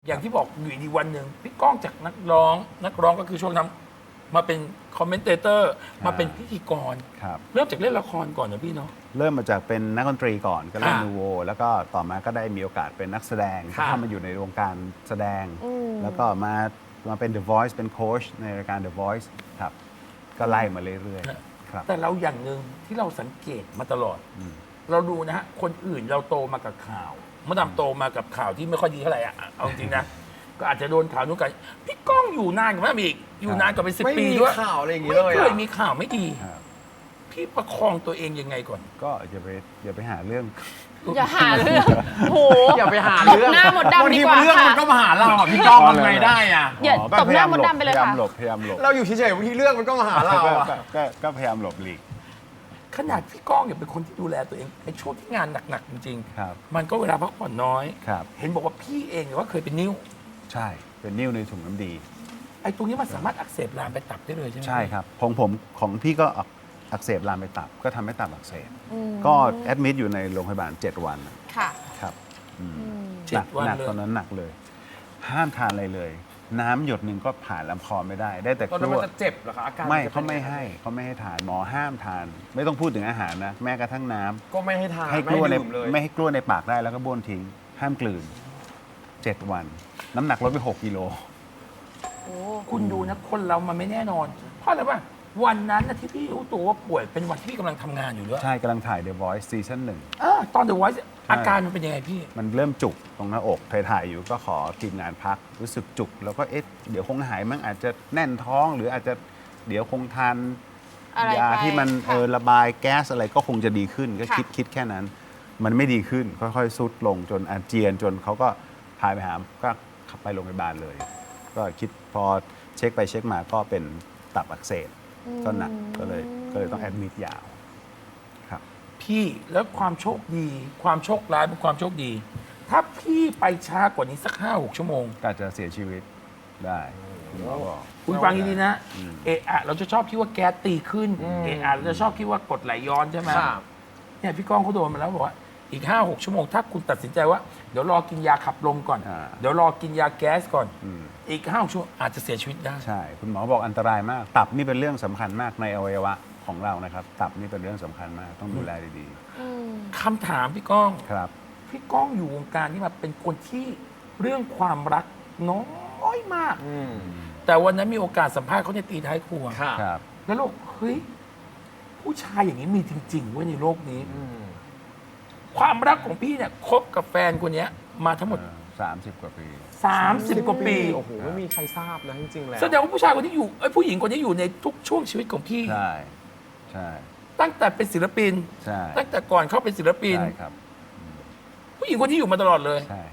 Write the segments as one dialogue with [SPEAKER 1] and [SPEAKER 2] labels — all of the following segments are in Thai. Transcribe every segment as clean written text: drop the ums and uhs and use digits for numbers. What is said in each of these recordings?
[SPEAKER 1] อย่างที่บอกอยู่ดีวันหนึ่งพี่ก้องจากนักร้องก็คือช่วงนั้นมาเป็นคอมเมนเตเตอร์มาเป็นพิธีกร
[SPEAKER 2] ครับ
[SPEAKER 1] เริ่มจากเล่นละครก่อนนะพี่เนาะ
[SPEAKER 2] เริ่มมาจากเป็นนักดนตรีก่อนก็เล่น
[SPEAKER 1] อ่า
[SPEAKER 2] นูโวแล้วก็ต่อมาก็ได้มีโอกาสเป็นนักแสดง
[SPEAKER 1] ค่ะ
[SPEAKER 2] เข้ามาอยู่ในวงการแสดง แล้วก็มาเป็น The Voice เป็นโค้ชในรายการ The Voice ครับก็ไล่มาเรื่อยๆครับ
[SPEAKER 1] แต่เราอย่างหนึ่งที่เราสังเกตมาตลอด เราดูนะฮะคนอื่นเราโตมากับข่าวมดดำโตมากับข่าวที่ไม่ค่อยดีเท่าไหร่อ่ะเอาจริงๆนะ ก็อาจจะโดนข่าวนู้นกันพี่ก้องอยู่นานกว่านั้นอีกอยู่นานกว่าเป็น10
[SPEAKER 3] ไม่
[SPEAKER 1] ปี
[SPEAKER 3] มี
[SPEAKER 1] ด้วย
[SPEAKER 3] ข่าวอะไรอย่าง
[SPEAKER 1] ไม่
[SPEAKER 3] นี้เลย
[SPEAKER 1] เคย
[SPEAKER 3] อะ
[SPEAKER 1] มีข่าวไม่ดี
[SPEAKER 2] ครับ
[SPEAKER 1] พี่ประคองตัวเองยังไงก่อน
[SPEAKER 2] ก็อย่าไปหาเรื่อง
[SPEAKER 4] อย่าหาเรื่องโห
[SPEAKER 3] อย่าไปหา
[SPEAKER 4] ต
[SPEAKER 3] เรื่
[SPEAKER 4] บ
[SPEAKER 3] อง
[SPEAKER 4] หน้าหมดดำดีกว่า
[SPEAKER 3] บางทีเรื่อง
[SPEAKER 4] ค่ะ
[SPEAKER 3] มันก็มาหาเราอ่ะพี่ก้องทำไงได้อ่ะ
[SPEAKER 4] อย่า
[SPEAKER 2] ก็
[SPEAKER 4] ตบหน้า มดดำไปเลย
[SPEAKER 2] พยายาม
[SPEAKER 4] ค่ะ
[SPEAKER 2] หลบพยายามหลบ
[SPEAKER 3] เราอยู่เฉยๆบางทีเรื่องมันก็มาหาเราอ่ะ
[SPEAKER 2] ก็พยายามหลบหลีก
[SPEAKER 1] ขนาดพี่ก้องเนี่ยเป็นคนที่ดูแลตัวเองในช่วงที่งานหนักๆจริง
[SPEAKER 2] ครับ
[SPEAKER 1] ๆมันก็เวลาพักผ่อนน้อย
[SPEAKER 2] ครับ
[SPEAKER 1] เห็นบอกว่าพี่เองเนี่ยว่าเคยเป็นนิ้ว
[SPEAKER 2] ใช่เป็นนิ่วในถุงน้ำดี
[SPEAKER 1] ไอ้ตรงนี้มันสามารถอักเสบลามไปตับได้เลยใช่ไหม
[SPEAKER 2] ใช่ครับของพี่ก็อักเสบลามไปตับก็ทำให้ตับอักเสบก็แอดมิดอยู่ในโรงพยาบาล7 วัน
[SPEAKER 4] ค่ะ
[SPEAKER 2] ครับอืม
[SPEAKER 1] เจ็ดวัน
[SPEAKER 2] หนัก
[SPEAKER 1] เลย
[SPEAKER 2] ตอนนั้นหนักเลย ห้ามทานอะไรเลย น้ำหยดหนึ่งก็ผ่านลำคอไม่ได้ ได้แต่
[SPEAKER 3] ตอน
[SPEAKER 2] ก
[SPEAKER 3] นั้น
[SPEAKER 2] ล้
[SPEAKER 3] มัน
[SPEAKER 2] วย
[SPEAKER 3] จะเจ็บเหรอคะอาการ
[SPEAKER 2] ไม่
[SPEAKER 3] นจะ
[SPEAKER 2] เขา
[SPEAKER 3] ป็น
[SPEAKER 2] ไม่
[SPEAKER 3] ยังง
[SPEAKER 2] ให้ทานหมอห้ามทาน ไม่ต้องพูดถึงอาหารนะ แม้กระทั่งน้ำ
[SPEAKER 3] ก็ไม่ให้ทาน
[SPEAKER 2] ให้ก
[SPEAKER 3] ไม่
[SPEAKER 2] ล้วย
[SPEAKER 3] ให้
[SPEAKER 2] ใน
[SPEAKER 3] ดื่มเลย
[SPEAKER 2] ไม่ให้กล้วยในปากได้แล้วก็บ้วนทิ้ง ห้ามกลืน 7 วัน น้ำหนักลดไป6 กิโล
[SPEAKER 4] โอ้
[SPEAKER 1] คุณดูนะคนเรามันไม่แน่นอน เพราะอะไรป่ะวันนั้นนะที่พี่รู้ตัวว่าป่วยเป็นวันที่พี่กำลังทำงานอยู่ด้วย
[SPEAKER 2] ใช่กำลังถ่าย The Voice ซีซั่น1
[SPEAKER 1] ตอนเดอะไวท์อาการมันเป็นยังไงพี่
[SPEAKER 2] มันเริ่มจุกตรงหน้าอกถ่ายๆอยู่ก็ขอทีมงานพัก รู้สึกจุก แล้วก็เดี๋ยวคงหายมั้งอาจจะแน่นท้อง หรืออาจจะเดี๋ยวคงทาน
[SPEAKER 4] อะไร
[SPEAKER 2] ยา
[SPEAKER 4] ไป
[SPEAKER 2] ที่มัน
[SPEAKER 4] ค่ะ
[SPEAKER 2] ระบายแก๊สอะไรก็คงจะดีขึ้นก็
[SPEAKER 4] ค่ะ
[SPEAKER 2] คิดแค่นั้น มันไม่ดีขึ้นค่อยๆซุดลงจนอาเจียนจนเขาก็พาไปหาก็ขับไปโรงพยาบาลเลย ก็คิดพอเช็คไปเช็คมาก็เป็นตับอักเสบก็หนักก็เลยต้องแอดมิดยาวครับ
[SPEAKER 1] พี่แล้วความโชคดีความโชคร้ายเป็นความโชคดี ถ้าพี่ไปช้ากว่านี้สัก5-6 ชั่วโมง
[SPEAKER 2] ก็อาจจะเสียชีวิตได้คุณหมอบอก
[SPEAKER 1] คุณฟังดีๆนะเอะอะเราจะชอบคิดว่าแก๊สตีขึ้นเอะอะเราจะชอบคิดว่ากรดไหลย้อนใช่ไหม
[SPEAKER 3] ค่ะ
[SPEAKER 1] เนี่ยพี่ก้องเขาโดนมาแล้วบอกว่าอีก 5-6 ชั่วโมงถ้าคุณตัดสินใจว่าเดี๋ยวรอกินยาขับลมก่อน เดี๋ยวรอกินยาแก๊สก่อน อีก5 ชั่วโมงอาจจะเสียชีวิตได้
[SPEAKER 2] ใช่ คุณหมอบอกอันตรายมาก ตับนี่เป็นเรื่องสำคัญมากในอวัยวะของเรานะครับ ตับนี่เป็นเรื่องสำคัญมาก ต้องดูแลดี
[SPEAKER 1] คำถามพี่ก้อง
[SPEAKER 2] ๆ ครับ
[SPEAKER 1] พี่ก้องอยู่วงการนี้มาเป็นคนที่เรื่องความรักน้อยมาก
[SPEAKER 3] อืม
[SPEAKER 1] แต่วันนั้นมีโอกาสสัมภาษณ์เขาในตีท้ายครัว
[SPEAKER 3] ค่ะ
[SPEAKER 2] ครับ
[SPEAKER 1] แล้วเราเฮ้ยผู้ชายอย่างนี้มีจริงๆเว้ยในโลกนี้
[SPEAKER 3] อืม
[SPEAKER 1] ความรักของพี่เนี่ยคบกับแฟนคนเนี้ยมาทั้งหมด
[SPEAKER 2] 30 กว่าปี
[SPEAKER 1] 30 กว่าปี
[SPEAKER 3] โอ้โหไม่มีใครทราบนะจริงๆแล้ว
[SPEAKER 1] แสดงว่าผู้ชายคนที่อยู่ผู้หญิงคนนี้อยู่ในทุกช่วงชีวิตของพี่
[SPEAKER 2] ใช่ ใช่
[SPEAKER 1] ตั้งแต่เป็นศิลปิน
[SPEAKER 2] ใช่
[SPEAKER 1] ตั้งแต่ก่อนเข้าเป็นศิลปิน
[SPEAKER 2] ใช่ครับ
[SPEAKER 1] ผู้หญิงคนที่อยู่มาตลอดเลย
[SPEAKER 2] ใช่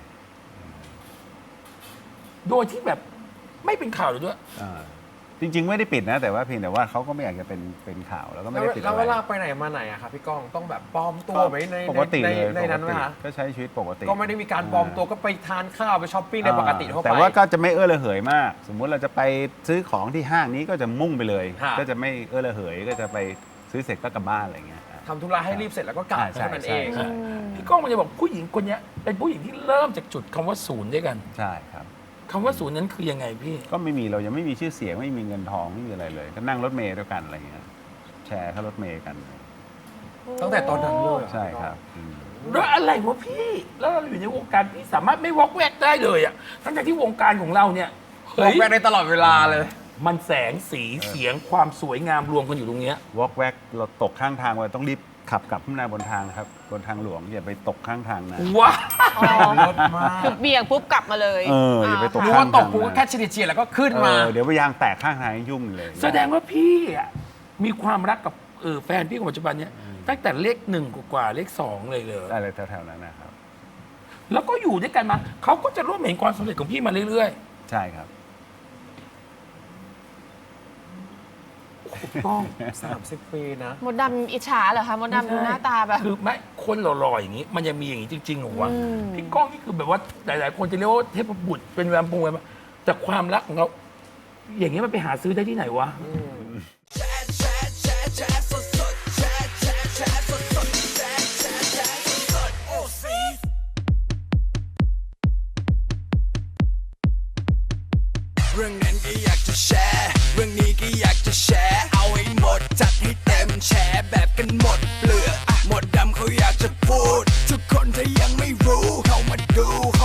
[SPEAKER 1] โดยที่แบบไม่เป็นข่าวเลยด้วย
[SPEAKER 2] อ่าจริง ๆ ไม่ได้ปิดนะ แต่ว่าเพียงแต่ว่าเขาก็ไม่อยากจะเป็นข่าวแล้วก็ไม่
[SPEAKER 3] แล้ว
[SPEAKER 2] ได้ปิด
[SPEAKER 3] แล้ว
[SPEAKER 2] อะไร
[SPEAKER 3] เวลาไปไหนมาไหนอะครับพี่ก้องต้องแบบปลอมตัวไหมใน
[SPEAKER 2] ปกติเลย
[SPEAKER 3] ในนั้นไหม
[SPEAKER 2] ปกติ
[SPEAKER 3] คะ
[SPEAKER 2] ก็ใช้ชีวิตปกติ
[SPEAKER 3] ก็ไม่ได้มีการปลอมตัวก็ไปทานข้าวไปช้อปปิ้งในปกติทั่วไป
[SPEAKER 2] แต่ว่าก็จะไม่ระเหยมาก สมมุติเราจะไปซื้อของที่ห้างนี้ก็จะมุ่งไปเลย
[SPEAKER 3] ค่ะ
[SPEAKER 2] ก็จะไม่ระเหยก็จะไปซื้อเสร็จก็กลับบ้านอะไรเงี้ย
[SPEAKER 3] ทำธุระให้รีบเสร็จแล้วก็กลับ
[SPEAKER 2] ใช่
[SPEAKER 3] เท่านั้นเอง
[SPEAKER 2] ใช่
[SPEAKER 1] พี่ก้องมันจะบอกผู้หญิงคนเนี้ยเป็นผู้หญิงที่เริ่มจากจุดคำว่าศูนย์ด้วยกัน
[SPEAKER 2] ใช่ครับ
[SPEAKER 1] คำว่าศูนย์นั้นคือยังไงพี่
[SPEAKER 2] ก็ไม่มีเรายังไม่มีชื่อเสียงไม่มีเงินทองไม่มีอะไรเลย ก็นั่งรถเมล์ด้วยกันอะไรเงี้ยแชร์ค่ารถเมล์กัน
[SPEAKER 3] ตั้งแต่ตอนนั้นเลยเหอ
[SPEAKER 2] ใช่ครับ
[SPEAKER 1] แล้วอะไรวะพี่ แล้วเราอยู่ในวงการพี่สามารถไม่วอกแวกได้เลยอ่ะทั้งที่วงการของเราเนี่ย
[SPEAKER 3] บอ
[SPEAKER 1] เฮ้
[SPEAKER 3] ก
[SPEAKER 1] ย
[SPEAKER 3] แวกได้ตลอดเวลาเลย
[SPEAKER 1] มันแสงสีเสียงความสวยงามรวมกันอยู่ตรงเนี้ยว
[SPEAKER 2] อกแวกเราตกข้างทางไว้ต้องรีบขับกลับขึ้นมาบนทางครับบนทางหลวงอย่าไปตกข้างทางนะ
[SPEAKER 1] ว้า
[SPEAKER 4] อ๋อ
[SPEAKER 3] รถมาก
[SPEAKER 4] คือเบี่ยงปุ๊บกลับมาเลย
[SPEAKER 2] อย่าไปตก
[SPEAKER 3] รู้
[SPEAKER 2] ข้า
[SPEAKER 3] ว่าง ตกปุ๊บก็แค่เฉียดๆแล้วก็ขึ้นมา
[SPEAKER 2] เดี๋ยวไปยางแตกข้างทางยุ่งเลย
[SPEAKER 1] แสดงว่าพี่อ่ะมีความรักกับแฟนพี่คนปัจจุบันเนี้ยตั้งแต่เลข1กว่าเลข2เลยเลย
[SPEAKER 2] อะไรแถวๆนั้นนะครับ
[SPEAKER 1] แล้วก็อยู่ด้วยกันมาเขาก็จะร่วมเห็นความสำเร็จของพี่มาเรื่อย
[SPEAKER 2] ใช่ครับ
[SPEAKER 1] ๆถูกต้อง
[SPEAKER 3] 30 ปีนะ
[SPEAKER 4] มดดำอิจฉาเหรอคะมดดำดูหน้าตาแบบ
[SPEAKER 1] คือไม่คนหล่อๆอย่างนี้ มันยังมีอย่างนี้จริงๆเหรอวะ
[SPEAKER 4] อืม
[SPEAKER 1] พี่ก้องนี่คือแบบว่าหลายๆคนจะเรียกว่าเทพบุตรเป็นแวมพงแวมแต่ความรักของเขาอย่างนี้มันไปหาซื้อได้ที่ไหนวะ
[SPEAKER 5] เรื่องนั้นก็อยากจะแชร์ เรื่องนี้ก็อยากจะแชร์ เอาให้หมดจัดให้เต็มแชร์แบบกันหมดเปลือกหมดดำเขาอยากจะพูด ทุกคนถ้ายังไม่รู้เข้ามาดู